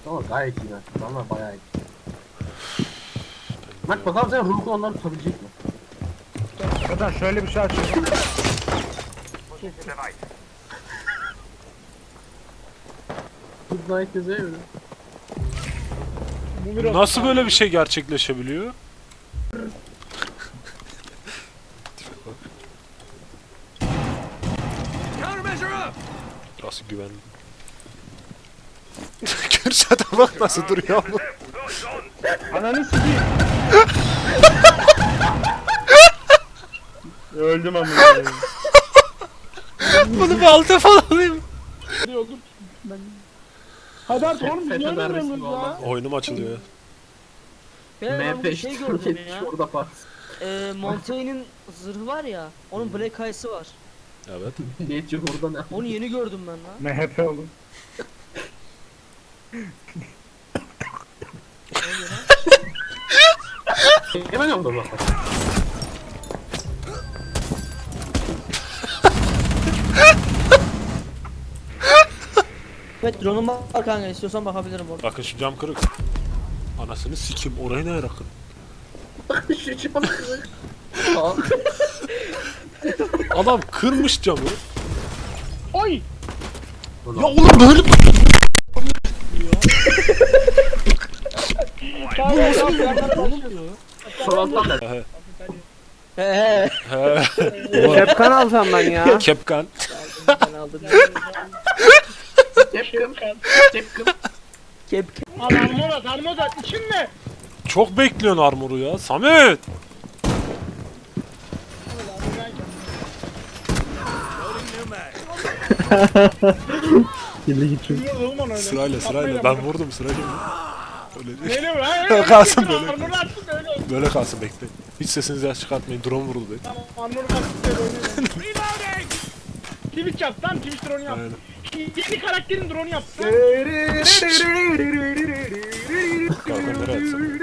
Ama gayet iyi Mert. Adamlar bayağı iyi. Mert bakalım sen ruhu onları tutabilecek mi? Zaten şöyle bir şey açıyorum. Kız gayet güzel öyle. Nasıl böyle bir şey gerçekleşebiliyor? Nasıl güvenli? Kürşat'a bak nasıl duruyor bu. Ananı sikeyim. Öldüm ama. Bunu bir alta falan alayım. Hadi artık oğlum FETÖ niye darbesi ölmüyoruz ya? vallahi. Oyunum açılıyor ya. Ben bir şey gördüm ya. Orada pat. Montaigne'in zırhı var ya. Onun Black Eyes'ı var. Evet. Niyetçi orada ne? Onu yeni gördüm ben lan. MHP oğlum. Hemen oldu bak. Evet drone'um var kanka, istiyorsan bakabilirim orada. Bakın şu cam kırık. Anasını sikim orayı ne yarakın? Şu çabuk. Aa. Adam kırmış camı. Oy! Ya oğlum böyle Son alttan da. He. Kepkan alsam ben ya. Kepkan. Ben aldım. Tepkim. Tepkim. Kep. Al armor at için ne? Çok bekliyorsun armoru ya. Samet. Kirli gittim. Sırayla ben vurdum sırayla. Öyle değil. Neyle mi? Kalsın böyle. Armor atsın da öyle olsun. Böyle kalsın bekleyin. Hiç sesinizi çıkartmayın. Drone vuruldu. Tamam armor atsın da öyle oynayalım. Twitch yap lan, Twitch drone yap. Aynen. Yeni karakterin drone yap. Kalkan nereye atsın?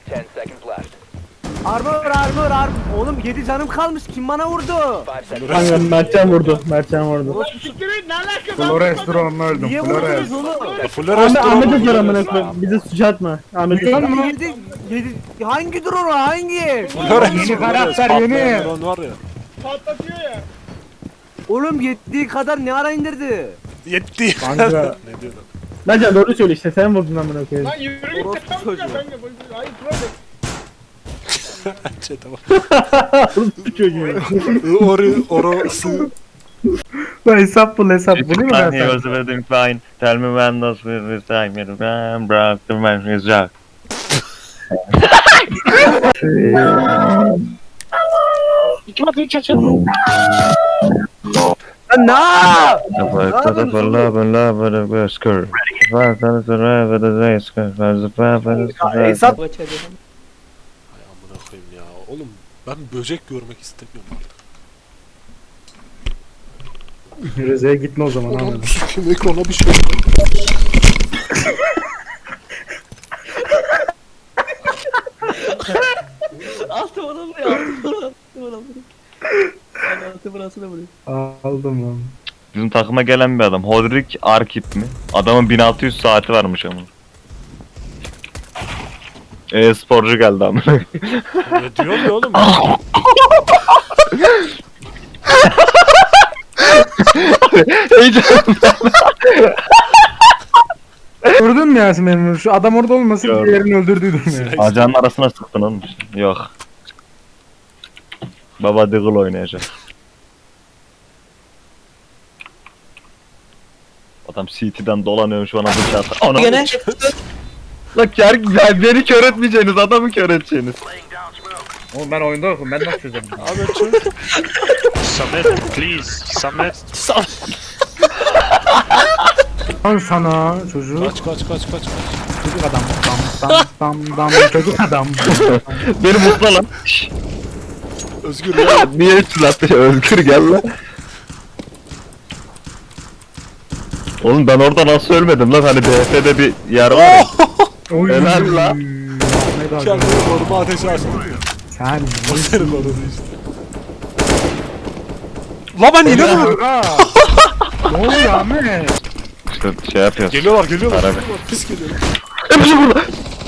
Armor. Oğlum 7 canım kalmış. Kim bana vurdu? Kanka Mertcan vurdu. Siktir ne alaka? Flores drone'unu öldüm. Niye Flores. vurdunuz oğlum? Fuller Ahmet'e sor amına koyayım. Bize suç atma. Ahmet'e sor. 7 hangi drone o? Hangi? Yeni karakter, yeni. Drone var ya. Patlatıyor ya. Oğlum yettiği kadar ne ara indirdi? Yetti. Kanka. Ne diyor lan? Mertcan doğru söyle işte. Sen vurdun amına koyayım. Lan yürü git Orospu sen çocuğu. ben de. Hayır Flores. Şey tamam. Bu çocuğu. Orası. Hesap bul hesap. Bunu mu ben He sana? was living fine. Tell me when those with his time in the broke the man his jack. Lan ne? The fuck of the love and love of the skirt. Fuck of the love of the day skirt. Fuck the love of the Hesap Ay amına koyayım ya. Oğlum ben böcek görmek istemiyorum artık. Rize'ye gitme o zaman Oğlum Ahmet. sikim ekrana bir şey. Altı bana vuruyor. Altı bana vuruyor. Altı burasına vuruyor. Aldım lan. Bizim takıma gelen bir adam. Hodrik Arkip mi? Adamın 1600 saati varmış ama. Sporcu geldi ama. Ne diyor ya oğlum? Gördün mü Yasin benim? Şu adam orada olmasın Gördüm. diğerini öldürdüydüm ya. Acanın arasına sıktın oğlum. Yok. Baba Diggle oynayacak. Adam CT'den dolanıyor şu an bıçağı. Ana. Gene. Lan beni kör etmeyeceğiniz, adamı kör edeceğiniz. Oğlum ben oyunda yokum. Ben nasıl çözeceğim? Abi çöz. Samet, please. Samet. Lan sana çocuk. Kaç. Çocuk adam. Dam çocuk adam. Beni mutla lan. Özgür ya. Niye ütülattı? Özgür gel lan. Oğlum ben orada nasıl ölmedim lan, hani BF'de bir yer var ya. Helal lan. Kendini koruma ateşi açtı diyor. Sen O seni korudu işte. La ben yine vurdum. Ne oluyor Ahmet? işte şey yapıyoruz. Geliyorlar geliyorlar. Arabi. Pis geliyor. Hepsi burada.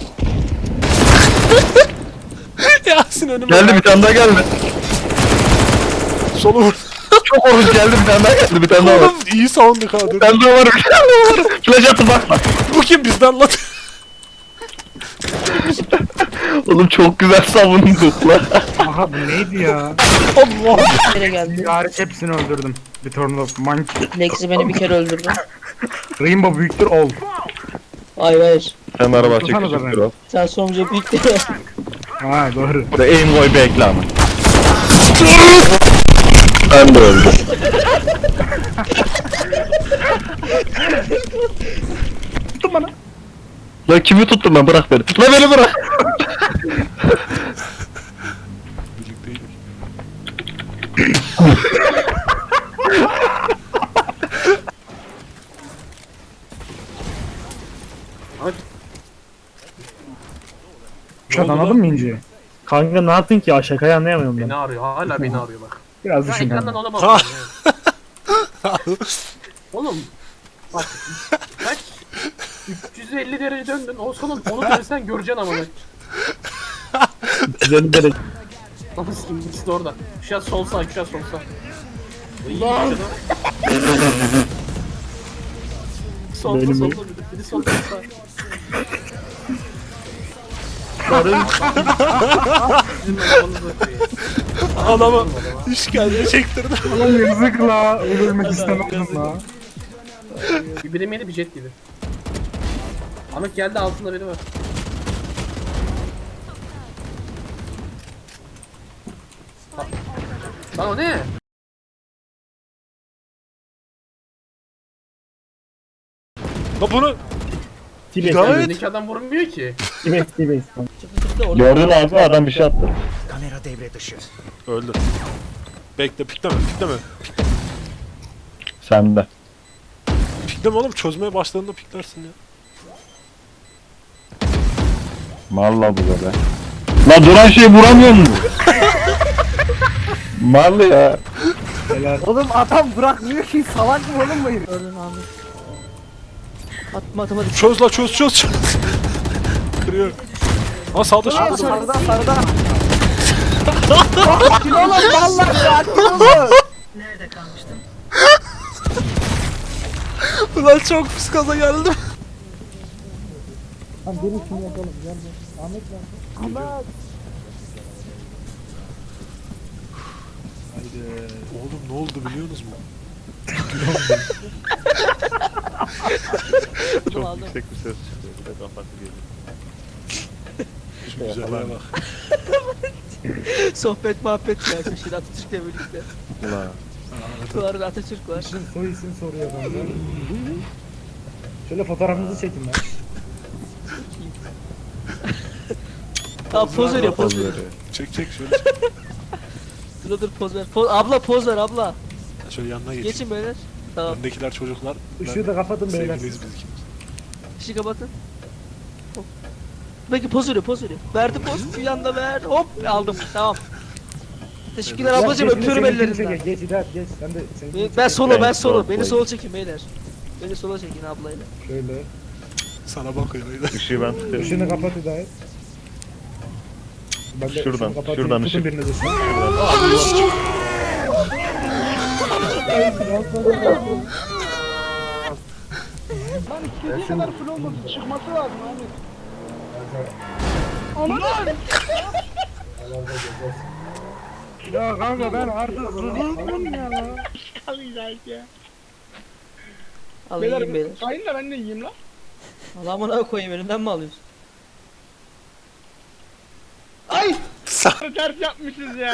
Yasin önüme. Geldi bir tane daha geldi. Solu vur. Çok korkunç geldi bir tane daha geldi bir tane daha var. Oğlum iyi savunduk ha. Bir tane daha var bir tane daha var. Flash attı bakma. Bu kim bizden lan? Oğlum çok güzel savunduk lan. Aha bu neydi ya? Allah. Nereye geldi? Hariç hepsini öldürdüm. Return of Monkey. Lexi beni bir kere öldürdü. Rainbow büyüktür ol. Hayır hayır. Sen araba Tutsana da çekecektir beni. o. Sen sonucu büyük değil. Ha doğru. Burada aim koy bekle ama. Ben de öldüm. Tutun bana. Lan kimi tuttum ben bırak beni. Lan beni bırak. Birlikteydik. Uçak anladın mı İnci? Kanka ne yaptın ki ya? Şakayı anlayamıyorum ben. Beni arıyor. Hala beni arıyor bak. Biraz Ya düşün ekrandan kanka. ona bakıyorum. yani. Oğlum. Bak. Kaç? 350 derece döndün. O sonun onu dönsen göreceksin ama bak. 350 derece. Nasıl sikim ikisi de orada. Şu an sol sağ, şu an sol sağ. Lan. Solda Benim- solda biri solda sağ. Adama işkence çektirdi. Ulan yazık la. Ölmek istemezdim la. Bir birim yeni bir jet gibi. Ahmet geldi altında biri var. Lan o ne? La bunu T-Base. Gayet- Önündeki adam vurmuyor ki. T-Base. T-Base. Gördün abi adam bir şey attı. öldü. Bekle pikleme pikleme. Sen de. Pikleme oğlum çözmeye başladığında piklersin ya. Malla bu be. La duran şeyi vuramıyor mu? Mallı ya. Oğlum adam bırakmıyor ki salak mı oğlum bu herif? Gördün abi. Atma atma. Çöz la çöz. Kırıyor. Ha sağda sağda. Sarıda sarıda. Sakin olun vallahi sakin olun. Ulan çok pis kaza geldim. Oğlum ne oldu biliyor musunuz mu? Çok yüksek bir ses çıkıyor. Bir de kapattı geliyor. Şu güzelliğe bak. Sohbet muhabbet ya. Şimdi Atatürk'le birlikte. Ulan. Var Atatürk var. Soy isim soruyor bana. Şöyle fotoğrafınızı çekin lan. Tamam poz veriyor poz veriyor. Çek şöyle. Dur poz ver. Abla poz ver abla. Şöyle yanına geç. Geçin beyler. Tamam. Öndekiler çocuklar. Işığı da kapatın beyler. Sevgiliyiz biz ikimiz. İşi kapatın. Hop. Peki poz veriyor poz veriyor. Verdi poz. Bir yanda ver. Hop aldım. Tamam. Teşekkürler ablacığım öpüyorum ellerinden. Geç İdat geç. Sen de seni Ben solo ben Ben solo. sol Beni boy. sola çekin beyler. Beni sola çekin ablayla. Şöyle. Sana bakıyor öyle. Işığı ben tutuyorum. Işığını kapat İdayet. Ben de Şuradan, ışığını kapatayım. şuradan Tutun ışık. biriniz ışığı. İstediği kadar full olmasın. Çıkması lazım abi. Ya kanka ben artık sıkıldım ya. Alacak ya. Alayım beyler. Beyler kayın da ben de yiyeyim lan. Allah'ıma koyayım elimden mi alıyorsun? Ay! Ters yapmışız ya.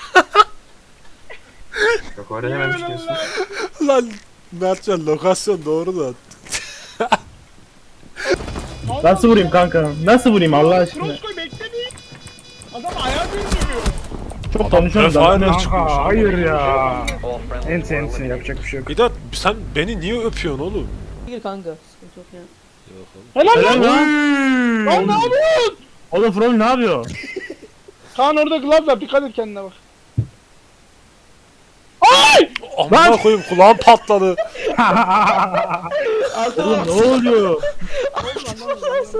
Yok öğrenememiş diyorsun. Lan Mertcan lokasyon doğru da. Nasıl vurayım kanka? Nasıl vurayım Allah aşkına? Kroskoy bekle bir. Adam ayağı döndürüyor. Çok konuşuyorum da. Refahane çıkmış. Kanka hayır ya. Ense yapacak bir şey yok. İdat sen beni niye öpüyorsun oğlum? Gir kanka. Sıkıntı yok ya. Helal Helal lan. lan. Lan ne yapıyorsun? Oğlum From ne yapıyor? Kaan orada glove var dikkat et kendine bak. Ay! Amına koyayım kulağım patladı. Altıma Oğlum ne oluyor?